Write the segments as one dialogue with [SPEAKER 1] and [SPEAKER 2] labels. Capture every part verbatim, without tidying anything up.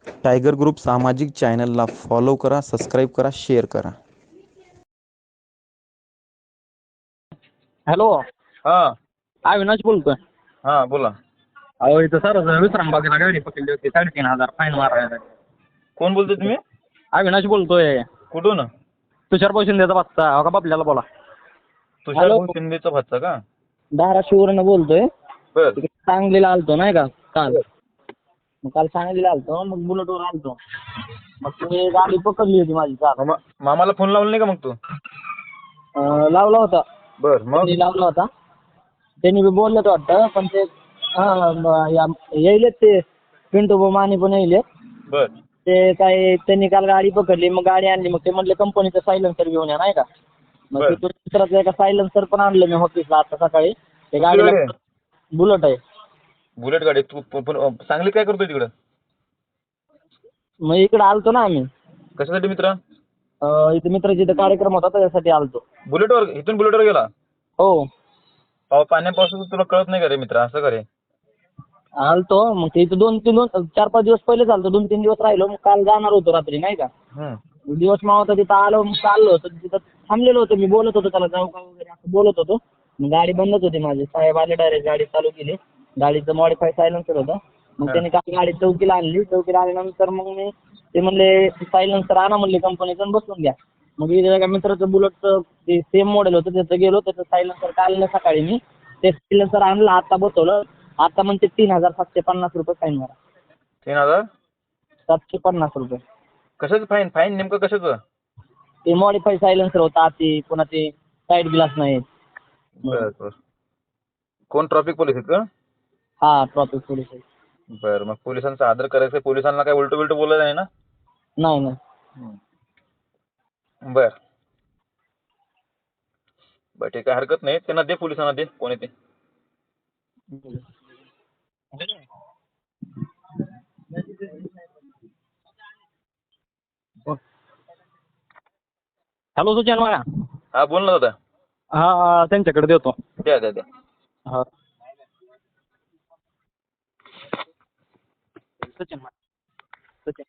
[SPEAKER 1] Tiger group सामाजिक चॅनलला follow करा, सबस्क्राईब करा, शेअर करा.
[SPEAKER 2] हॅलो.
[SPEAKER 3] हा
[SPEAKER 2] अविनाश बोलतोय.
[SPEAKER 3] हा बोला.
[SPEAKER 2] अहो इथं सर विश्रामबागेला गाडी पकडली होती, साडेतीन हजार फाईन मारायला.
[SPEAKER 3] कोण बोलतोय तुम्ही?
[SPEAKER 2] अविनाश बोलतोय.
[SPEAKER 3] कुठून?
[SPEAKER 2] तुषार शिंदेचा बघता हो का बापल्याला बोला.
[SPEAKER 3] तुषार
[SPEAKER 2] हॅलो.
[SPEAKER 3] भाऊ शिंदेचा भाचा का?
[SPEAKER 2] धाराशिववरनं बोलतोय.
[SPEAKER 3] बर
[SPEAKER 2] तिकडे सांगलीला आलतो नाही का काल. मग काल सांगलीला आलतो, मग बुलेटवर आलतो. मग तुम्ही गाडी पकडली होती माझी काल.
[SPEAKER 3] मामा मामाला फोन लावला नाही का मग तू?
[SPEAKER 2] अं, लावला होता.
[SPEAKER 3] बर मग
[SPEAKER 2] त्यांनी लावला होता. त्यांनी बी बोललं वाटतं, पण ते हा येईल ते पिंटू माने पण येईल.
[SPEAKER 3] बर
[SPEAKER 2] ते काय त्यांनी काल गाडी पकडली, मग गाडी आणली. मग ते म्हणले कंपनीचं सायलेन्सर घेऊन या नाही का. मग
[SPEAKER 3] बर.
[SPEAKER 2] तिथून दुसराचं एका सायलेन्सर पण आणलं मी ऑफिसला आता सकाळी. ते
[SPEAKER 3] कुठली
[SPEAKER 2] गाडीला
[SPEAKER 3] गाडी आहे?
[SPEAKER 2] बुलेट आहे.
[SPEAKER 3] बुलेट गाडी. तू प- पण सांगली काय करतोय तिकडं?
[SPEAKER 2] मग इकडे आलतो ना आम्ही.
[SPEAKER 3] कशासाठी मित्र?
[SPEAKER 2] अं, इथे मित्राचा इथे कार्यक्रम होता त्याच्यासाठी आलतो.
[SPEAKER 3] बुलेटवर इथून बुलेटवर गेला?
[SPEAKER 2] हो
[SPEAKER 3] पाव पाण्यापासून तुला कळत नाही का रे मित्र? असं करे.
[SPEAKER 2] आलतो. मग ते इथं दोन तीन दोन चार पाच दिवस पहिले चालतो, दोन तीन दिवस राहिलो. मग काल जाणार होतो रात्री नाही का.
[SPEAKER 3] हम्म
[SPEAKER 2] दिवस मावता तिथं आलो, मग चाललो होतो. तिथं थांबलेलो होतो मी, बोलत होतो त्याला जाऊ का वगैरे असं बोलत होतो. मग गाडी बंदच होती माझी. साहेब आले डायरेक्ट, गाडी चालू केली. गाडीचं मॉडिफाय सायलेन्सर होतं. मग त्यांनी काल गाडी चौकीला आणली. चौकीला आल्यानंतर मग मी ते म्हणले सायलेन्सर आणा म्हणले कंपनीचं आणि बसून घ्या. मग इथे एका मित्राचं बुलेटचं ते सेम मॉडेल होतं, त्याचं गेलो. त्याचं सायलेन्सर काढलं सकाळी मी. ते सायलेन्सर आणलं, आता बसवलं. आता म्हणते तीन हजार सातशे पन्नास रुपये फाईन मारा.
[SPEAKER 3] तीन हजार
[SPEAKER 2] सातशे पन्नास रुपये.
[SPEAKER 3] कशाचं फाईन? फाईन नेमकं कशाचं?
[SPEAKER 2] ते मॉडिफाय सायलेन्सर होता आती, पुन्हा ते साईड ग्लास नाही.
[SPEAKER 3] बर बर. कोण ट्रॅफिक पोलीस आहेत का?
[SPEAKER 2] हा ट्रॉफिक पोलीस आहे.
[SPEAKER 3] बर. मग पोलिसांचा आदर करायचा. पोलिसांना काय उलट बिलट बोलायचं नाही ना?
[SPEAKER 2] नाही नाही.
[SPEAKER 3] बर बर ठीक आहे, हरकत नाही. त्यांना दे, पोलिसांना दे. कोण येते?
[SPEAKER 2] हॅलो सुचन माया.
[SPEAKER 3] हा बोल ना दादा.
[SPEAKER 2] हा त्यांच्याकडे देतो.
[SPEAKER 3] द्या द्या द्या.
[SPEAKER 2] हा सचिन माया. सचिन.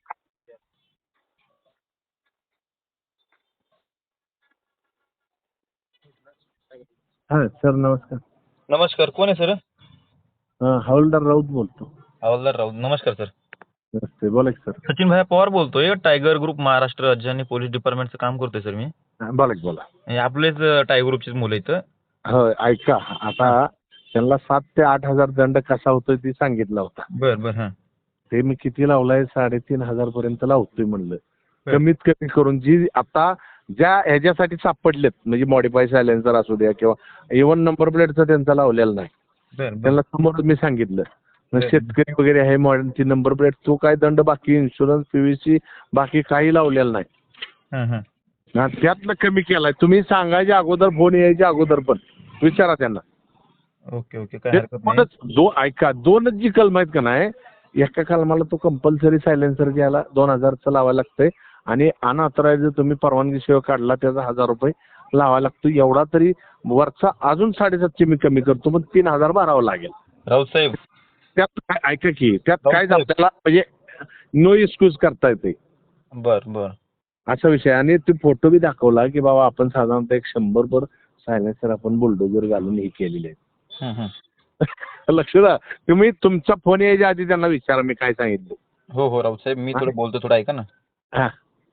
[SPEAKER 4] हा सर नमस्कार.
[SPEAKER 3] नमस्कार. कोण आहे सर?
[SPEAKER 4] हा हवालदार राऊत बोलतो.
[SPEAKER 3] हवालदार राऊत. नमस्कार सर.
[SPEAKER 4] नमस्ते, बोला की सर.
[SPEAKER 3] सचिन भाई पवार बोलतोय. टायगर ग्रुप महाराष्ट्र राज्य आणि पोलीस डिपार्टमेंटचं काम करतोय सर मी.
[SPEAKER 4] हा, बोला की बोला.
[SPEAKER 3] हे आपलेच टायगर ग्रुपचीच मुलं इथं.
[SPEAKER 4] हो ऐका, आता त्यांना सात ते आठ हजार दंड कसा होतोय ते सांगितला होता.
[SPEAKER 3] बर बर. हा
[SPEAKER 4] ते मी किती लावलाय? साडेतीन हजार पर्यंत लावतोय म्हणलं.
[SPEAKER 3] बर.
[SPEAKER 4] कमीत कमी करून जी आता ज्या ह्याच्यासाठी सापडलेत, म्हणजे मॉडिफाय सायलेन्सर असू द्या किंवा इव्हन नंबर प्लेटचा त्यांचा लावलेला नाही.
[SPEAKER 3] बर बर.
[SPEAKER 4] त्यांना समोर मी सांगितलं. मग
[SPEAKER 3] बर.
[SPEAKER 4] शेतकरी वगैरे आहे, मॉडर्नची नंबर प्लेट, तो काय दंड बाकी, इन्शुरन्स, पीव्हीसी बाकी काही लावलेला नाही.
[SPEAKER 3] हा हा.
[SPEAKER 4] हा, त्यातलं कमी केलाय. तुम्ही सांगायच्या अगोदर, फोन यायच्या अगोदर पण विचारा त्यांना.
[SPEAKER 3] ओके ओके, काय
[SPEAKER 4] ते
[SPEAKER 3] हरकत नाही.
[SPEAKER 4] दोनच दो ऐका दोनच जी कलम आहेत का नाही, एका कलमाला तो कंपल्सरी सायलेन्सर घ्यायला दोन हजारचं लावायला लागतंय आणि अनऑथराइज तुम्ही परवानगी सेवा काढला त्याचा हजार रुपये लावायला लागतो. एवढा तरी वरचा अजून साडेसातशे मी कमी करतो, पण तीन हजार भरावं लागेल.
[SPEAKER 3] राऊत साहेब.
[SPEAKER 4] त्यात काय ऐका की, त्यात
[SPEAKER 3] राऊत
[SPEAKER 4] काय
[SPEAKER 3] साहेब.
[SPEAKER 4] आपल्याला म्हणजे नो एक्सक्यूज करता येते
[SPEAKER 3] बर बर.
[SPEAKER 4] असा विषय. आणि ते फोटो बी दाखवला की बाबा आपण साधारणतः एक शंभर वर सायलेन्सर आपण बुलडोजर घालून हे केलेले आहेत.
[SPEAKER 3] हं, हं.
[SPEAKER 4] लक्ष द्या तुम्ही. तुमचा फोन यायच्या आधी त्यांना विचारा मी काय सांगितलं.
[SPEAKER 3] हो हो राऊत साहेब, मी थोडं बोलतो, थोडं ऐका ना.
[SPEAKER 4] हा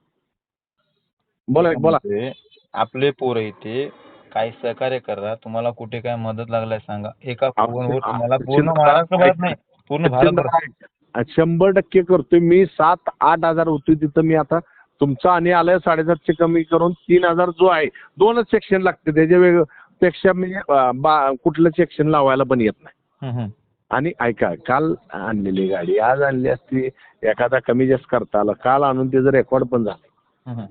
[SPEAKER 4] बोला बोला.
[SPEAKER 3] म्हणजे आपले पोरं इथे काय सहकार्य करा. तुम्हाला कुठे काय मदत लागलाय सांगा. एका फोनवर तुम्हाला पूर्ण महाराष्ट्रभरात नाही, पूर्ण भारतभरात
[SPEAKER 4] शंभर टक्के करतोय मी. सात आठ हजार होतोय तिथं मी आता तुमचा आणि आलाय साडेसातशे कमी करून तीन हजार जो आहे. दोनच सेक्शन लागते त्याच्या वेग पेक्षा म्हणजे कुठलं सेक्शन लावायला पण येत नाही.
[SPEAKER 3] हं, हं.
[SPEAKER 4] आणि ऐका, काल आणलेली गाडी आज आणली असती, एखादा कमी जास्त करता आला, काल आणून त्याचं रेकॉर्ड पण झालं.
[SPEAKER 3] हं, हं.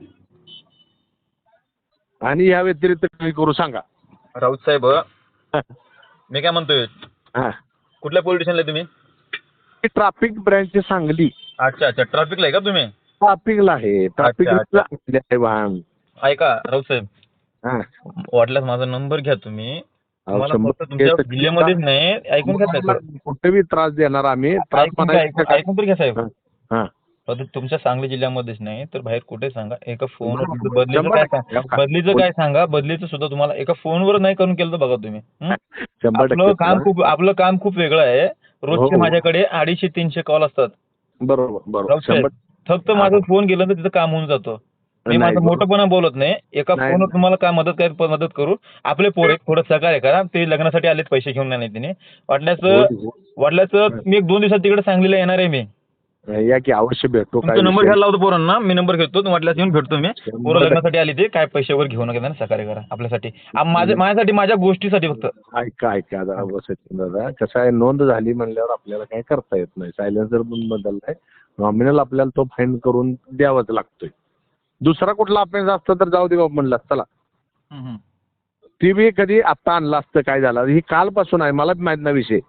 [SPEAKER 4] आणि या व्यतिरिक्त काही करू सांगा.
[SPEAKER 3] राऊत साहेब, मी काय म्हणतोय,
[SPEAKER 4] हा,
[SPEAKER 3] कुठल्या पोलीस स्टेशनला तुम्ही?
[SPEAKER 4] Traffic branch Sangli.
[SPEAKER 3] अच्छा अच्छा, ट्रॅफिकला आहे का तुम्ही?
[SPEAKER 4] ट्रॅफिकला आहे. ट्रॅफिकला आहे वाहन.
[SPEAKER 3] ऐका राऊत साहेब,
[SPEAKER 4] हा,
[SPEAKER 3] वाटल्यास माझा नंबर घ्या तुम्ही.
[SPEAKER 4] अहो,
[SPEAKER 3] तुम्हाला
[SPEAKER 4] शंभर
[SPEAKER 3] फक्त तुमच्या
[SPEAKER 4] टक्के
[SPEAKER 3] जिल्ह्यामध्येच नाही, ऐकून घ्या साहेब.
[SPEAKER 4] कुठेही त्रास देणार आम्ही. त्रास
[SPEAKER 3] ऐकून घ्या, ऐकून ऐकून तर घ्या साहेब.
[SPEAKER 4] हा
[SPEAKER 3] फक्त तुमच्या सांगली जिल्ह्यामध्येच नाही तर बाहेर कुठे सांगा एका फोनवर
[SPEAKER 4] बरोबर.
[SPEAKER 3] तुमचं बदलीचं
[SPEAKER 4] शंभर
[SPEAKER 3] काय
[SPEAKER 4] टक्के.
[SPEAKER 3] सांगा बदलीचं काय सांगा बदलीचं सुद्धा तुम्हाला एका फोनवर नाही करून केलं तर बघा तुम्ही हं?
[SPEAKER 4] शंभर
[SPEAKER 3] आपलं
[SPEAKER 4] टक्के
[SPEAKER 3] काम
[SPEAKER 4] तुला-
[SPEAKER 3] खूप आपलं काम खूप वेगळं आहे रोजचे
[SPEAKER 4] हो.
[SPEAKER 3] माझ्याकडे अडीचशे तीनशे कॉल असतात
[SPEAKER 4] बरोबर बरोबर
[SPEAKER 3] राऊत साहेब,
[SPEAKER 4] शंभर
[SPEAKER 3] फक्त माझा फोन गेला तर तिथं काम होऊन जातं मी
[SPEAKER 4] नाही,
[SPEAKER 3] माझं
[SPEAKER 4] बरोबर.
[SPEAKER 3] मोठंपणा बोलत नाही एका
[SPEAKER 4] नाही.
[SPEAKER 3] फोनवर तुम्हाला काय मदत काय मदत करू आपले पोर आहेत थोडं सहकार्य करा ते लग्नासाठी आलेत पैसे घेऊन नाही तिने वाटल्याचं
[SPEAKER 4] हो, हो.
[SPEAKER 3] वाटल्याचं मी एक दोन दिवसात तिकडे सांगलीला येणार आहे मी
[SPEAKER 4] या की अवश्य भेटतो काय
[SPEAKER 3] तुमचा नंबर
[SPEAKER 4] विषय
[SPEAKER 3] घ्यायला लावतो पोरांना मी नंबर घेतो वाटल्यास येऊन भेटतो मी
[SPEAKER 4] शंभर
[SPEAKER 3] पोरं
[SPEAKER 4] टक्के.
[SPEAKER 3] लग्नासाठी आली ते काय पैशावर घेऊ नका त्यांना सहकार्य करा आपल्यासाठी आ- माझ्या माझ्यासाठी माझ्या गोष्टीसाठी फक्त
[SPEAKER 4] ऐका ऐका जरा बस दादा कसं आहे नोंद झाली म्हणल्यावर आपल्याला काही करता येत नाही सायलेन्सर पण बदललाय नॉमिनल आपल्याला तो फाईन करून द्यावाच लागतोय दुसरा कुठला अफेन्स असतं तर जाऊ दे बाबा म्हणलं चला
[SPEAKER 3] हम्म, हम्म.
[SPEAKER 4] ती बी कधी आत्ता आणलं असतं काय झालं ही कालपासून आहे मला बी माहित नाही विषय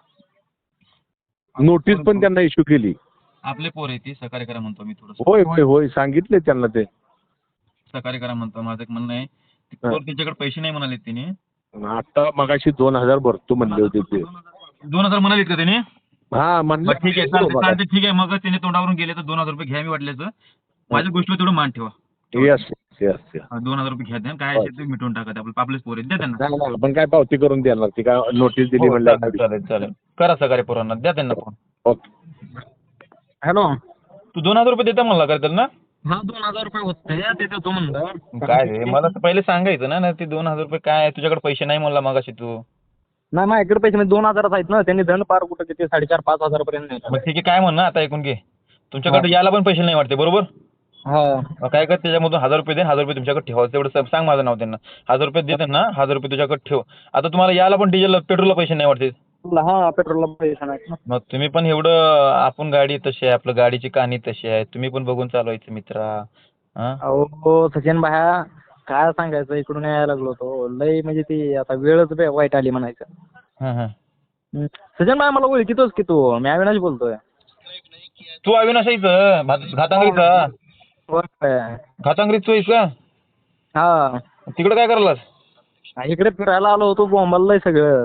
[SPEAKER 4] नोटीस पण त्यांना इश्यू केली
[SPEAKER 3] आपले पोर आहे ती सहकार्य करा म्हणतो मी थोडं
[SPEAKER 4] होय होय होय सांगितले त्यांना ते
[SPEAKER 3] सहकार्य करा म्हणतो माझं एक म्हणणं आहे ती
[SPEAKER 4] हा.
[SPEAKER 3] पोर त्यांच्याकडे पैसे नाही म्हणाले तिने
[SPEAKER 4] आता मगाशी दोन हजार भरतो म्हणले होते ते
[SPEAKER 3] दोन हजार म्हणालेत का त्याने
[SPEAKER 4] हा म्हणलं
[SPEAKER 3] बरं, ठीक आहे चालते चालते ठीक आहे मग त्याने तोंडावरून गेले तर दोन हजार रुपये घ्या मी वाटल्याचं माझ्या गोष्टीवर तेवढं मान ठेवा
[SPEAKER 4] येस येस येस
[SPEAKER 3] हा, दोन हजार रुपये घ्या द्या काय असेल ते मिटवून टाका ते आपले आपलेच पोर आहेत द्या त्यांना
[SPEAKER 4] नाही नाही आपण काय पावती करून देणार ती काय नोटीस दिली
[SPEAKER 3] हो,
[SPEAKER 4] म्हणलं
[SPEAKER 3] चालेल चालेल चालेल करा सहकार्य पोरांना द्या त्यांना फोन
[SPEAKER 4] ओके
[SPEAKER 2] हॅलो
[SPEAKER 3] तू दोन हजार रुपये देता म्हणला करताल ना
[SPEAKER 2] हा दोन हजार रुपये होते ते देतो म्हणलं
[SPEAKER 3] काय रे मला तर पहिले सांगायचं ना ना ते दोन हजार रुपये काय तुझ्याकडे पैसे नाही म्हणला मगाशी तू
[SPEAKER 2] नाही माझ्याकडे पैसे म्हणजे दोन हजारच आहेत ना त्यांनी दंड पार कुठं किती साडेचार पाच हजार पर्यंत नेलं.
[SPEAKER 3] मग ठीक आहे काय म्हण ना आता ऐकून घे तुमच्याकडे यायला पण पैसे नाही वाटते बरोबर
[SPEAKER 2] हा
[SPEAKER 3] मग काय कर त्याच्यामधून हजार रुपये दे हजार रुपये तुमच्याकडे ठेवा तेवढं सा- सांग माझं नाव त्यांना हजार रुपये देतात ना हजार रुपये तुझ्याकडे ठेव आता तुम्हाला यायला पण डिझेल पेट्रोलला पैसे नाही वाटते
[SPEAKER 2] हा पेट्रोलला पैसे नाहीत ना.
[SPEAKER 3] मग तुम्ही पण एवढं आपण गाडी तशी आहे आपलं गाडीची कहाणी तशी आहे तुम्ही पण बघून चालवायचं मित्रा हा
[SPEAKER 2] अहो सचिन भाया काय सांगायचं इकडून यायला लागलो तो लय म्हणजे ती आता वेळच बे- वाईट आली म्हणायचं
[SPEAKER 3] हा हा
[SPEAKER 2] हं. सचिन भाया मला ओळखीतोच की तू मी अविनाश बोलतोय
[SPEAKER 3] तू अविनाशाईचं घातांगरीचा
[SPEAKER 2] होय.
[SPEAKER 3] घातांगरीत तू आहेस का
[SPEAKER 2] हा
[SPEAKER 3] तिकडे काय करायलास
[SPEAKER 2] इकडे फिरायला आलो होतो बोंबाललंय सगळं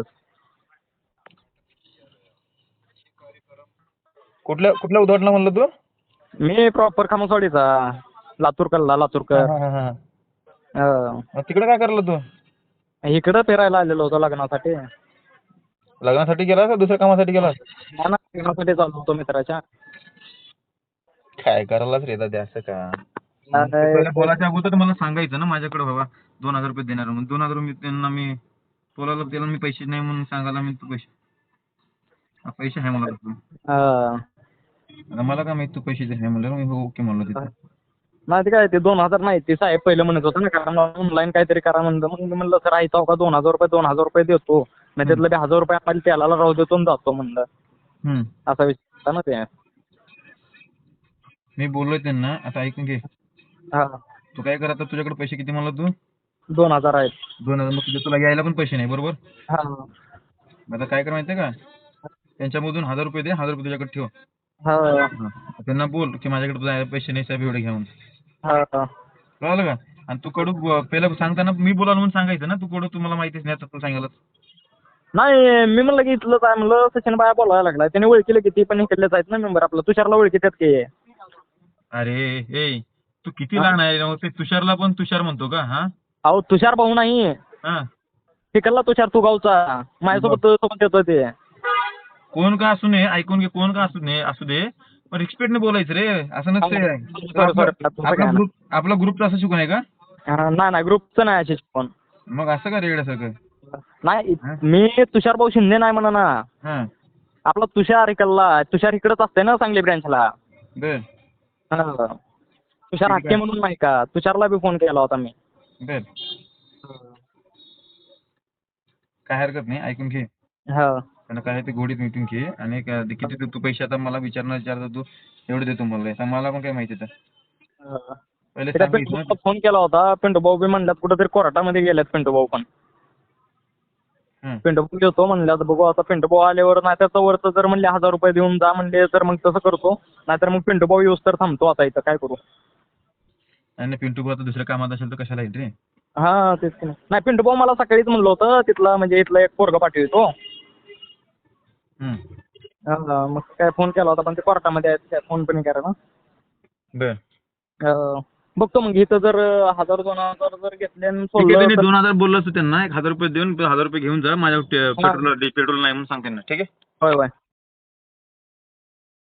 [SPEAKER 3] कुठल्या कुठल्या उद्घाटना म्हणलं तू
[SPEAKER 2] मी प्रॉपर खामसवाडीचा लातूर कल्ला लातूरकर
[SPEAKER 3] हा, हा, हा.
[SPEAKER 2] हा.
[SPEAKER 3] मग तिकडे काय करला तू
[SPEAKER 2] इकडं फिरायला आलेलो होतो लग्नासाठी
[SPEAKER 3] लग्नासाठी गेलास का दुसऱ्या कामासाठी गेलास
[SPEAKER 2] हा ना, लग्नासाठी चाललो होतो मित्राच्या
[SPEAKER 3] काय करायलाच रे दादा असं का
[SPEAKER 2] काय-
[SPEAKER 3] पहिल्या बोलायच्या अगोदर मला सांगायचं ना माझ्याकडे बाबा दोन हजार रुपये देणार म्हणून दोन हजार मी त्यांना मी बोलायला त्याला मी पैसे नाही म्हणून सांगायला मी तू पैसे हा, पैसे आहे मला तू
[SPEAKER 2] हा.
[SPEAKER 3] आता मला काय माहित तू पैसे दे आहे म्हणलं मी ओके म्हणलो तिथं
[SPEAKER 2] नाही ते काय ते दोन हजार नाही ते साहेब पहिलं म्हणत होतं ना कारण ऑनलाईन काहीतरी करा म्हणलं मग मी म्हणलं सर आयता का दोन हजार रुपये दोन हजार रुपये देतो नाही त्यातलं बी हजार रुपये आपण त्याला राहू देतो आणि जातो म्हणलं
[SPEAKER 3] हम्म.
[SPEAKER 2] असा विषय होता ना ते
[SPEAKER 3] मी बोललोय त्यांना आता ऐकून घे
[SPEAKER 2] हा
[SPEAKER 3] तू काय कर आता तुझ्याकडे पैसे किती म्हणला तू
[SPEAKER 2] दोन हजार आहेत
[SPEAKER 3] दोन हजार मग तुझ्या तुला यायला पण पैसे नाही बरोबर
[SPEAKER 2] हा
[SPEAKER 3] आता काय कर माहितीये का त्यांच्यामधून हजार रुपये दे हजार रुपये तुझ्याकडे ठेव
[SPEAKER 2] हा
[SPEAKER 3] हा. त्यांना बोल की माझ्याकडे तुझ्या पैसे नाही साहेब एवढे घेऊन
[SPEAKER 2] हा
[SPEAKER 3] कळलं का आणि तू कडू ब- पहिलं सांगताना मी बोलावं म्हणून सांगायचं ना तू कडू तुम्हाला माहितीच नाही आता तू सांगायला
[SPEAKER 2] नाही मी म्हणलं की इथलंच आहे म्हणलं सचिन बाया बोलायला लागला त्याने ओळखीलं की ती पण इकडलेच आहेत ना मेंबर आपलं तुषारला ओळखीतात की
[SPEAKER 3] अरे ए तू किती लहान आहे राव. ते तुषारला पण तुषार म्हणतो का हा
[SPEAKER 2] अहो तुषार भाऊ नाही
[SPEAKER 3] हा
[SPEAKER 2] तिकडला तुषार तू गावचा माझ्यासोबत सोबत येतो ते
[SPEAKER 3] कोण का असू नये ऐकून घे कोण का असू नये असू दे पण रिस्पेक्टने बोलायचं रे असं नसते
[SPEAKER 2] sorry, sorry.
[SPEAKER 3] आपला ग्रुप आपला ग्रुपचं असं शिकून आहे का
[SPEAKER 2] हा, नाही नाही ग्रुपचं नाही असे पण
[SPEAKER 3] मग असं का रेगड्यासारखं
[SPEAKER 2] नाही मी तुषार भाऊ शिंदे नाही म्हणा ना
[SPEAKER 3] हा
[SPEAKER 2] आपला तुषार इकडला तुषार इकडंच असते ना सांगली ब्रँचला
[SPEAKER 3] बर
[SPEAKER 2] हा. तुषार हक्के म्हणून नाही का तुषारला बी फोन केला होता मी
[SPEAKER 3] बर काय हरकत नाही ऐकून घे
[SPEAKER 2] हा
[SPEAKER 3] त्यांना काय ते गोडीत मिटून घे आणि काय ते किती तू पैसे आता मला विचारणार विचारता तू एवढे देतो मला आता मला पण काय माहिती तर
[SPEAKER 2] हा.
[SPEAKER 3] पहिले
[SPEAKER 2] त्याला
[SPEAKER 3] सांगितलं
[SPEAKER 2] पिंटू फोन केला होता पिंटू भाऊ बी म्हणल्यात कुठेतरी कोर्टामध्ये गेल्यात पिंटू भाऊ पण
[SPEAKER 3] हं.
[SPEAKER 2] पिंटू भाऊ घेतो म्हणल्यात बघू आता पिंटू भाऊ आल्यावर नाही त्याचं वरचं जर म्हणले हजार रुपये देऊन जा म्हणले तर मग तसं करतो नाहीतर मग पिंटू भाऊ येऊस तर थांबतो आता इथं काय करू
[SPEAKER 3] आणि पिंटू भाऊ आता दुसऱ्या कामात असेल तर कशाला येईल रे
[SPEAKER 2] हा तेच की नाही नाही पिंटू भाऊ मला सकाळीच म्हणलं होतं तिथला म्हणजे इथला एक पोरगा पाठवतो
[SPEAKER 3] हं.
[SPEAKER 2] हा, मग काय फोन केला होता पण ते कोर्टामध्ये आहेत काय फोन पण करा ना
[SPEAKER 3] बर
[SPEAKER 2] अं, बघतो मग इथं जर हजार दोन हजार जर घेतले आणि
[SPEAKER 3] ठीक आहे
[SPEAKER 2] सोडलं
[SPEAKER 3] त्यांनी
[SPEAKER 2] तर-
[SPEAKER 3] दोन हजार बोललं असतं त्यांना एक हजार रुपये देऊन हजार रुपये घेऊन जा माझ्या पेट्रोल पेट्रोल नाही म्हणून सांग त्यांना ठीक आहे
[SPEAKER 2] होय होय